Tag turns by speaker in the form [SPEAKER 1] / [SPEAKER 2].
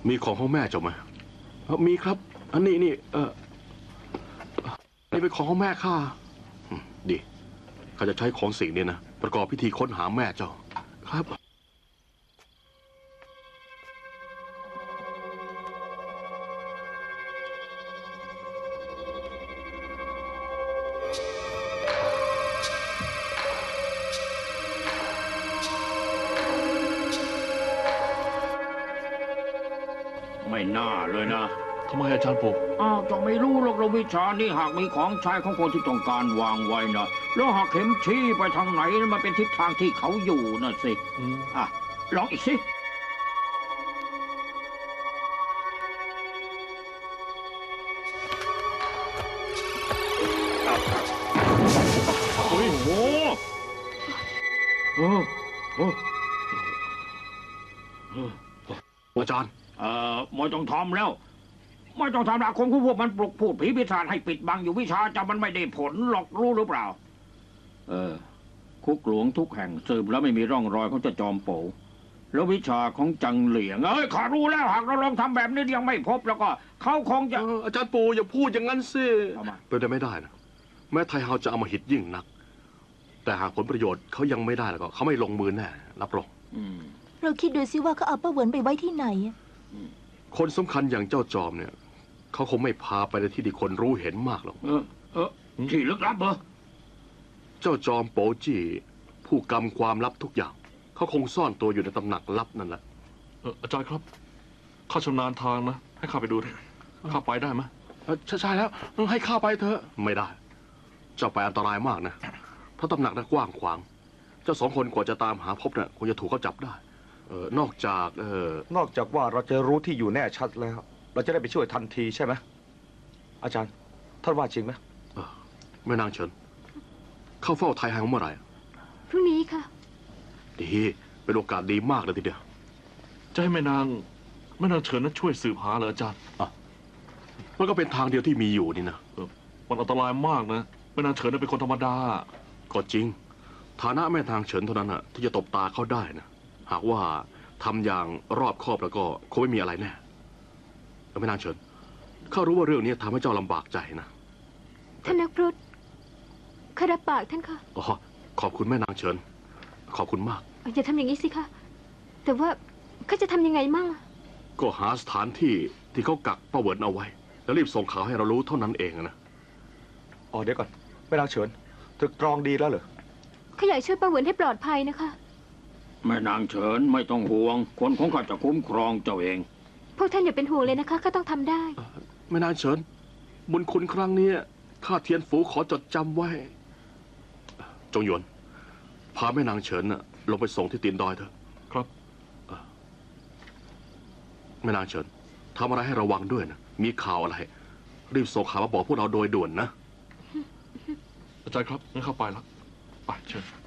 [SPEAKER 1] มีของของแม่เจ้าไหมมีครับอันนี้นี่นี่เป็นของของแม่ข้าดีข้าจะใช้ของสิ่งนี้นะประกอบพิธีค้นหาแม่เจ้าครับ
[SPEAKER 2] ไม่น่าเลยนะ
[SPEAKER 1] ทำไมอาจารย์ปู่
[SPEAKER 2] จะไม่รู้หรอกเราวิชานี่หากมีของใช้ของคนที่ต้องการวางไว้นะแล้วหากเข็มชี้ไปทางไหนมันเป็นทิศทางที่เขาอยู่นะสิลองอีกสิโอ้โห
[SPEAKER 1] อาจารย์
[SPEAKER 2] ไม่ต้องทำแล้วไม่ต้องทำละคงพวกมันปลุกพูดผีปีศาจให้ปิดบังอยู่วิชาจะมันไม่ได้ผลหรอกรู้หรือเปล่าคุกหลวงทุกแห่งสืบแล้วไม่มีร่องรอยของเจ้าจอมโป๋แล้ววิชาของจังเหลียงข้ารู้แล้วหากเราลองทำแบบนี้ยังไม่พบแล้วก็เขาคงจะ
[SPEAKER 1] อาจารย์ปู่อย่าพูดอย่างนั้นสิเป็นไปไม่ได้นะแม้ไทเฮาจะเอามาหิดยิ่งนักแต่หากผลประโยชน์เขายังไม่ได้แล้วก็เขาไม่ลงมือแน่รับรอง
[SPEAKER 3] เราคิดดูสิว่าเขาเอาป้าเหวินไปไว้ที่ไหน
[SPEAKER 1] คนสำคัญอย่างเจ้าจอมเนี่ยเขาคงไม่พาไปในที่ที่คนรู้เห็นมากหรอก
[SPEAKER 2] ที่ลึกลับเหรอ
[SPEAKER 1] เจ้าจอมโป๋จี้ผู้กำความลับทุกอย่างเขาคงซ่อนตัวอยู่ในตำหนักลับนั่นแหละ
[SPEAKER 4] อาจารย์ครับข้าชำนาญทางนะให้ข้าไปดูข้าไปได้ไหม
[SPEAKER 1] ใช่แล้วให้ข้าไปเถอะไม่ได้เจ้าไปอันตรายมากนะเพราะตำหนักนั้นกว้างขวางเจ้าสองคนกว่าจะตามหาพบน่ะคงจะถูกเขาจับได้นอกจาก
[SPEAKER 5] ว่าเราจะรู้ที่อยู่แน่ชัดแล้วเราจะได้ไปช่วยทันทีใช่ไหมอาจารย์ท่านว่าจริงไหม
[SPEAKER 1] แม่นางเฉินเข้าเฝ้าไทเฮาเมื่อไหร่
[SPEAKER 3] พรุ่งนี้ค่ะ
[SPEAKER 1] ดีเป็นโอกาสดีมากเลยทีเดียว
[SPEAKER 4] จะให้แม่นางเฉินนั้นช่วยสืบหาเหรออาจารย์
[SPEAKER 1] มันก็เป็นทางเดียวที่มีอยู่นี่นะ
[SPEAKER 4] มันอันตรายมากนะแม่นางเฉินเป็นคนธรรมดา
[SPEAKER 1] ก็จริงฐานะแม่นางเฉินเท่านั้นน่ะที่จะตบตาเขาได้นะหากว่าทำอย่างรอบคอบแล้วก็คงไม่มีอะไรแน่แม่นางเฉินข้ารู้ว่าเรื่องนี้ทำให้เจ้าลำบากใจนะ
[SPEAKER 3] ท่านนักพรตข้ารับปากท่านค่ะ
[SPEAKER 1] ขอบคุณแม่นางเฉินขอบคุณมาก
[SPEAKER 3] อย่าทำอย่างนี้สิคะแต่ว่าข้าจะทำยังไงมั่ง
[SPEAKER 1] ก็หาสถานที่ที่เขากักป้าเหวินเอาไว้แล้วรีบส่งข่าวให้เรารู้เท่านั้นเองนะ
[SPEAKER 5] เดี๋ยวก่อนแม่นางเฉินตึกตรองดีแล้วเหรอ
[SPEAKER 3] ข้าอยากช่วยป้าเหวินให้ปลอดภัยนะคะ
[SPEAKER 2] แม่นางเฉินไม่ต้องห่วงคนของข้าจะคุ้มครองเจ้าเอง
[SPEAKER 3] พวกท่านอย่าเป็นห่วงเลยนะคะข้าต้องทำได้
[SPEAKER 1] แม่นางเฉินบุญคุณครั้งนี้ข้าเทียนฝูขอจดจำไว้จงหยวนพาแม่นางเฉินลงไปส่งที่ตีนดอยเถอะ
[SPEAKER 4] ครับ
[SPEAKER 1] แม่นางเฉินทำอะไรให้ระวังด้วยนะมีข่าวอะไรรีบส่งข่าวมาบอกพวกเราโดยด่วนนะ
[SPEAKER 4] อาจารย์ครับงั้นเข้าไปแล้วไปเชิญ